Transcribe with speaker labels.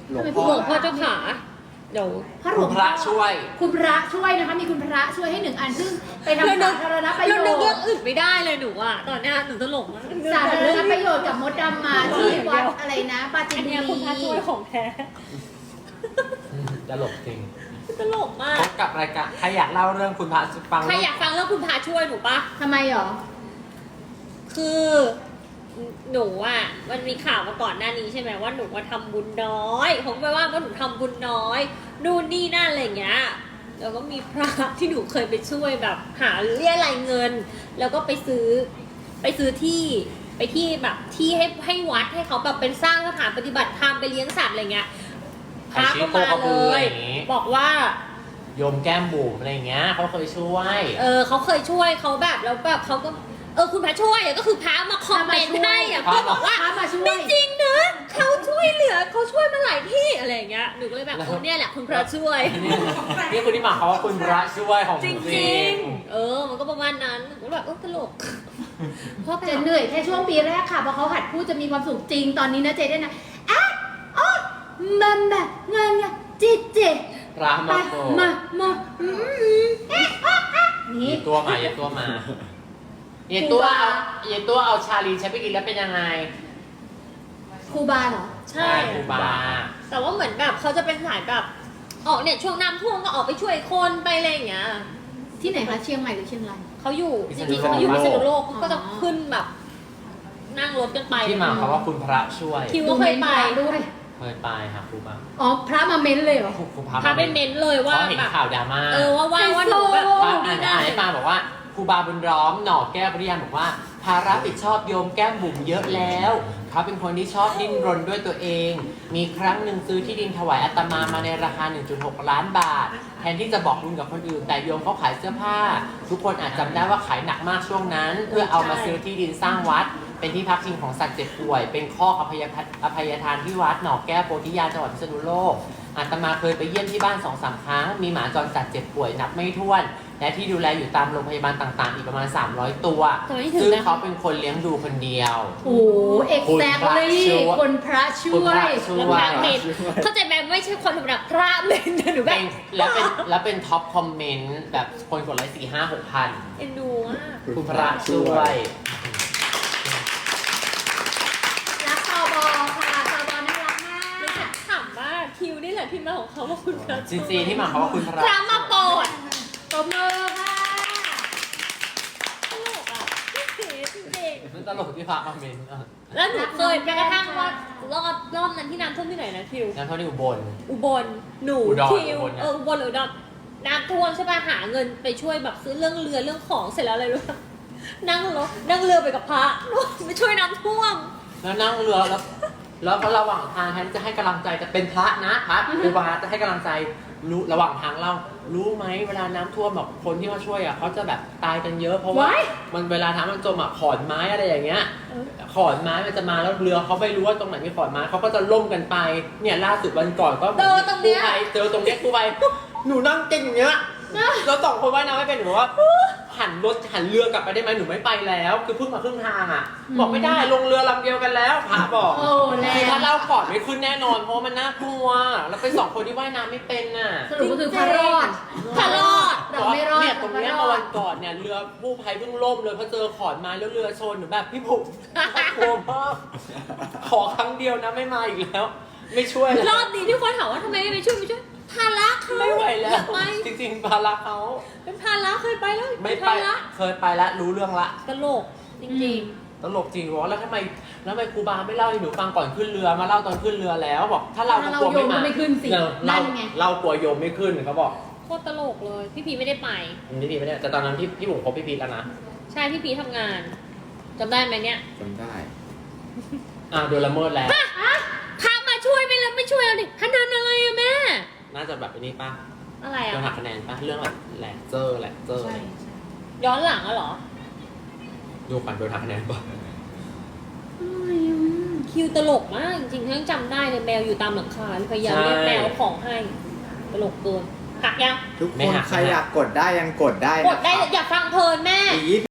Speaker 1: หลวง
Speaker 2: หล
Speaker 1: พ่อ
Speaker 2: วงพ่อเจ้าขาเดี๋ยว
Speaker 3: คุณพระช่วย
Speaker 4: คุณพระช่วยนะคะมีคุณพระช่วยให้1 อันซึ่งไปทำสาธารณประโย
Speaker 2: เรานึกเรื่
Speaker 4: ช
Speaker 2: อง
Speaker 4: น์
Speaker 2: อื่นไม่ได้เลยหนูอ่ะตอนเนี้ยหนูตลกมาก
Speaker 4: สาธารณประโยชน์กับมดดำมาที่วัดอะไรนะปาจิ
Speaker 2: อั
Speaker 4: น
Speaker 2: น
Speaker 4: บุ
Speaker 2: เนี้ยคุณพระช่วย
Speaker 4: รี
Speaker 2: ของแท้
Speaker 3: ตลกจริง
Speaker 2: ตลกมา
Speaker 3: พ
Speaker 2: ก
Speaker 3: บกับรายการใครอยากเล่าเรื่องคุณพระฟัง
Speaker 2: ใครอยากฟังเรื่องคุณพระช่วยหนูปะ
Speaker 4: ทำไมหรอ
Speaker 2: คือหนูอ่ะมันมีข่าวมาก่อนหน้านี้ใช่ไหมว่าหนูว่าทำบุญน้อยผมไปว่าหนูทำบุญน้อยนู่นนี่นั่นอะไรอย่างเงี้ยแล้วก็มีพระที่หนูเคยไปช่วยแบบหาเรียรายเงิน แล้วก็ไปซื้อที่ไปที่แบบที่ให้วัดให้เขาแบบเป็นสร้างสถานปฏิบัติธรรมไปเลี้ยงสัตว์อะไรเงี้ยพระก็มาเลย บอกว่า
Speaker 3: โยมแก้มบุ๋มอะไรอย่างเงี้ยเขาเคยช่วย
Speaker 2: เขาเคยช่วยเขาแบบแล้วแบบเขาก็คุณพระช่วยก็คือพระมาคอมเมนต์ให้อะก็บอกว่า
Speaker 4: พระมาช่วย
Speaker 2: ไม่จริงนะเขาช่วยเหลือเขาช่วยมาหลายที่อะไรอย่างเงี้ยหนูก็เลยแบบเนี่ยแหละคุณพระช่วย
Speaker 3: นี่คุณที่มาเขาว่าคุณพระช่วยของ
Speaker 2: จริง
Speaker 3: จริง
Speaker 2: มันก็ประมาณนั้นหนูก็แบบตลกเพราะแบ
Speaker 4: จะ
Speaker 2: บ
Speaker 4: เหนื่อยแค่ช่วงปีแรกค่ะเพราะเขาหัดพูดจะมีความสุขจริงตอนนี้นะเจได้นะอ่ะอ๋อมันแบบเงินจิตเจ
Speaker 3: พระ
Speaker 4: ไป
Speaker 3: มาโปรด
Speaker 4: มานี่
Speaker 3: เย็นตัวมาเย็นตัวมาเย็นตัวเอาชาลีใช้ไปกินแล้วเป็นยังไง
Speaker 4: ครูบาเหรอ
Speaker 2: ใช่
Speaker 3: ครูบา
Speaker 2: แต่ว่าเหมือนแบบเขาจะเป็นสายแบบออกเนี่ยช่วงน้ำท่วมก็ออกไปช่วยคนไปอะไรอย่างเงี้ย
Speaker 4: ที่ไหนคะเชียงใหม่หรือเชียงราย
Speaker 2: เขาอยู่จริงๆเขาอยู่พิษณุโลกเขาก็จะขึ้นแบบนั่งรถกันไป
Speaker 3: ที่มาเขาว่าคุณพระช่วย
Speaker 2: คิวก็เคยไป
Speaker 4: ด้วย
Speaker 3: เคยไปค่ะครูบา
Speaker 4: อ๋อพระมาเม้นเลยเหรอ
Speaker 3: ครู
Speaker 2: พาไปเน้นเลยว่า
Speaker 3: เขาเห็น
Speaker 2: แบบ
Speaker 3: ข่าวดราม่า
Speaker 2: ว่าหนูแบบ
Speaker 3: อ่านให้ฟังบอกว่าครูบาบุญล้อมหน่อแก้วปริยานบอกว่าภาระผิดชอบโยมแก้มบุ๋มเยอะแล้วเขาเป็นคนที่ชอบดิ้นรนด้วยตัวเอง มีครั้งหนึ่งซื้อที่ดินถวายอาตมามาในราคา 1.6 ล้านบาท แทนที่จะบอกบุญกับคนอื่น แต่โยมเขาขายเสื้อผ้า ทุกคนอาจจำได้ว่าขายหนักมากช่วงนั้น เพื่อเอามาซื้อที่ดินสร้างวัด เป็นที่พักพิงของสัตว์เจ็บป่วย เป็นข้ออภัยทานที่วัดหนองแก้วโพธิญาณจังหวัดพิษณุโลกอาตมาเคยไปเยี่ยมที่บ้าน 2-3 ครั้ง มีหมาจรจัดเจ็บป่วยนับไม่ถ้วน และที่ดูแลอยู่ตามโรงพยาบาลต่างๆ อีกประมาณ 300 ตัว ซึ่งเขาเป็นคนเลี้ยงดูคนเดียว
Speaker 4: โอ้เอ็กแซคลี่คนพระช่
Speaker 3: คุณ
Speaker 4: ว
Speaker 3: พระ
Speaker 4: ย
Speaker 3: ช่
Speaker 2: แล้ว
Speaker 3: ว
Speaker 2: พ
Speaker 3: ย
Speaker 2: ระเมนเข้าใจไหมไม่ใช่คนธรรมดาพระเมนหนูแบบ
Speaker 3: แล้วเป็นท็อปคอมเมนต์แบบคนกดไลค์4-5-6 พัน
Speaker 2: เอ็นดูมาก
Speaker 3: คุณพระช่วย
Speaker 4: รักตอบอค่ะตอบอน่ารักมาก
Speaker 2: แล้วฉันถามว่าคิวนี่แหละที่มาของเขาว่าคุณพระ
Speaker 3: จริงๆที่มาเขาว่าคุณพระ
Speaker 2: พระมาโปรด
Speaker 4: ตบมือค่ะ
Speaker 2: ตลกอ่ะพี่เก๋เด็ก
Speaker 3: มันตลกที่พระคอมเมนต์
Speaker 2: แล้วหนูเคยไปกระทั่งว่ารอบนั้นที่น้ำท่วมที่ไหนนะคิว
Speaker 3: งั้นเท่าที่อุบล
Speaker 2: อุบลหนู
Speaker 3: อุดร
Speaker 2: คิว
Speaker 3: อุบลเนี่ย
Speaker 2: อุบลหรืออุดรน้ำท่วมใช่ป่ะหาเงินไปช่วยแบบซื้อเรื่องเรือเรื่องของเสร็จแล้วอะไรรู้ปะนั่งเรือไปกับพระไปช่วยน้ำท่วม
Speaker 3: แล้วนั่งเรือแล้วก็ระหว่างทางแทนจะให้กำลังใจจะเป็นพระนะพระครูบาจะให้กำลังใจรู้ระหว่างทางรู้ไหมเวลาน้ำท่วมแบบคนที่มาช่วยอ่ะเขาจะแบบตายกันเยอะเพราะว่ามันเวลาน้ำมันจมอ่ะขอนไม้อะไรอย่างเงี้ยขอนไม้มันจะมาแล้วเรือเขาไม่รู้ว่าตรงไหนมีขอนไม้เขาก็จะล่มกันไปเนี่ยล่าสุดวันก่อนก็
Speaker 2: เจอตรงเนี้ย
Speaker 3: เจอตรงเนี้ยครูไปหนูนั่งเก่งอย่างเงี้ยเราสองคนว่ายน้ำไม่เป็นหนูว่าหันเรือกลับไปได้ไหมหนูไม่ไปแล้ว คือเพิ่งมาครึ่งทางอ่ะบอกไม่ได้ลงเรือลำเดียวกันแล้วพระบอก
Speaker 4: โอ้แล้
Speaker 3: คือ
Speaker 4: ว
Speaker 3: ถ้าเล่าก่อนไม่ขึ้นแน่นอนเพราะว่ามันน่ากลัว แล้วเป็นสองคนที่ว่ายน้ำไม่เป็นน่ะ
Speaker 4: สรุปก็คือพระรอด
Speaker 2: พระรอด
Speaker 4: เราไม่รอด
Speaker 3: เนี่ยตรงเนี้ย
Speaker 4: พะ
Speaker 3: เมื่อวันก่อนเนี่ยเรือกู้ภัยเพิ่งล่มเลยเพราะเจอขอนไม้แล้วเรือชนหนูแบบพี่ผมน่ากลัวมากขอครั้งเดียวนะไม่มาอีกแล้ว ไม่ช่วยแล้ว
Speaker 2: รอบนี้ที่คนถามว่าทำไมไม่ช่วยภาระเขา
Speaker 3: ไม่ไหวแล้
Speaker 2: อ
Speaker 3: วย
Speaker 2: ากไป
Speaker 3: จริงๆภาระเขา
Speaker 2: เป็นภาระเคยไปแล้ว
Speaker 3: ไม่ไป
Speaker 2: ภาระ
Speaker 3: เคยไปแล้วรู้เรื่องละ
Speaker 2: ตลกจริง
Speaker 3: ตลกจริงวะแล้วทำไมครูบาไม่เล่าให้หนูฟังก่อนขึ้นเรือมาเล่าตอนขึ้นเรือแล้วบอกถ้าเราก็กลัวไม่มา
Speaker 4: ถ้าเราโยมก็ไม่ขึ้นสิ
Speaker 3: เรา
Speaker 4: นั่นไง
Speaker 3: เรากลัวโยมไม่ขึ้นเขาบอก
Speaker 2: ๆโคตรตลกเลยพี่พีไม่ได้ไป
Speaker 3: พี่พีไม่ได้แต่ตอนนั้นพี่บุ๋มคบพี่พีแล้วนะ
Speaker 2: ใช่พี่พีทำงานจำได้ไหมเนี่ย
Speaker 1: จำได้
Speaker 3: โดนละเมิดแล้ว
Speaker 2: พามาช่วยไปแล้วไม่ช่วยเราดิขนาดอะไรอะแม่
Speaker 3: น่าจะแบบไอ้นี้ป่ะ
Speaker 2: อะไร
Speaker 3: โดนหั
Speaker 2: อะ
Speaker 3: กคะแนนป่ะเรื่องแบบแหลกเจอร์
Speaker 4: ใช่
Speaker 2: ย้อนหลังอะเหรอ
Speaker 3: ดูก่อนโดนหักคะแนนป่ะ
Speaker 2: คิวตลกมากจริงๆทั้งจำได้เลยแมวอยู่ตามหลังคาพยายามเรียกแมวของให้ตลกเกินหักยัง
Speaker 1: ทุกคนใครอยากกดได้ยังกดได้
Speaker 2: กดได้เลยอย่าฟังเพลินแม่
Speaker 1: อีก